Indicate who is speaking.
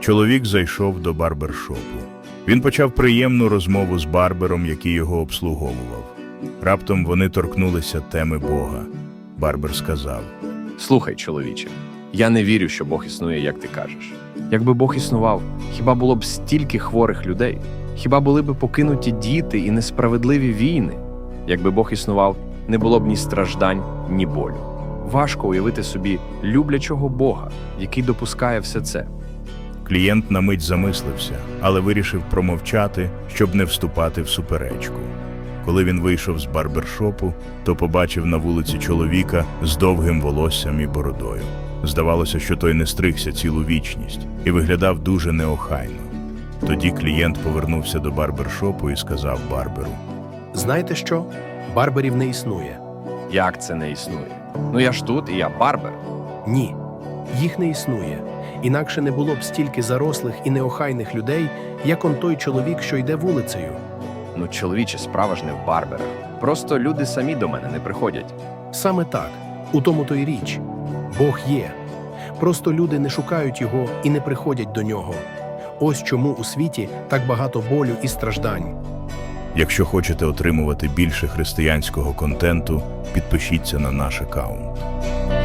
Speaker 1: Чоловік зайшов до барбершопу. Він почав приємну розмову з барбером, який його обслуговував. Раптом вони торкнулися теми Бога. Барбер сказав:
Speaker 2: Слухай, чоловіче, я не вірю, що Бог існує, як ти кажеш. Якби Бог існував, хіба було б стільки хворих людей? Хіба були б покинуті діти і несправедливі війни? Якби Бог існував, не було б ні страждань, ні болю. Важко уявити собі люблячого Бога, який допускає все це.
Speaker 1: Клієнт на мить замислився, але вирішив промовчати, щоб не вступати в суперечку. Коли він вийшов з барбершопу, то побачив на вулиці чоловіка з довгим волоссям і бородою. Здавалося, що той не стригся цілу вічність і виглядав дуже неохайно. Тоді клієнт повернувся до барбершопу і сказав барберу:
Speaker 3: Знаєте що? Барберів не існує.
Speaker 2: Як це не існує? Ну я ж тут, і я барбер.
Speaker 3: Ні, їх не існує. Інакше не було б стільки зарослих і неохайних людей, як он той чоловік, що йде вулицею.
Speaker 2: Ну, чоловіче, справа ж не в барберах. Просто люди самі до мене не приходять.
Speaker 3: Саме так, у тому то й річ. Бог є. Просто люди не шукають його і не приходять до нього. Ось чому у світі так багато болю і страждань.
Speaker 1: Якщо хочете отримувати більше християнського контенту, підпишіться на наш аккаунт.